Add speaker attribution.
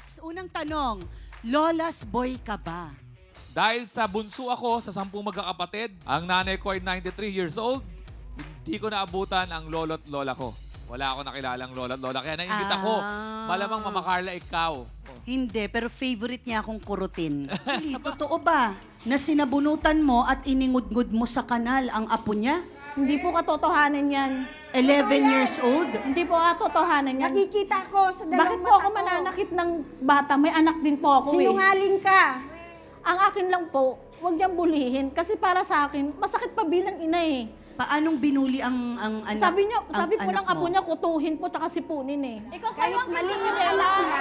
Speaker 1: Max, unang tanong, Lola's boy ka ba?
Speaker 2: Dahil sa bunso ako sa 10 magkakapatid, ang nanay ko ay 93 years old, hindi ko naabutan ang lolo't lola ko. Wala ako nakilalang lolo't lola. Kaya naimbita ko, malamang Mama Carla, ikaw.
Speaker 1: Hindi, pero favorite niya akong kurutin. Actually, totoo ba na sinabunutan mo at iningudngud mo sa kanal ang apo niya?
Speaker 3: Hindi po katotohanan yan.
Speaker 1: 11 years old?
Speaker 3: Hindi po katotohanan yan.
Speaker 4: Nakikita ko sa dalawang
Speaker 3: Bakit po ako mananakit ng bata? May anak din po ako
Speaker 4: Sinungaling ka.
Speaker 3: Ang akin lang po, huwag niyang bulihin. Kasi para sa akin, masakit pa bilang ina eh.
Speaker 1: Paanong binuli ang anak?
Speaker 3: Sabi
Speaker 1: ang
Speaker 3: po
Speaker 1: anak
Speaker 3: ng apo
Speaker 1: mo?
Speaker 3: niya, kutuhin po, tsaka sipunin eh. Ikaw kayo
Speaker 4: Kahit
Speaker 3: ang
Speaker 4: mali yung
Speaker 3: kinsinirela.
Speaker 4: anak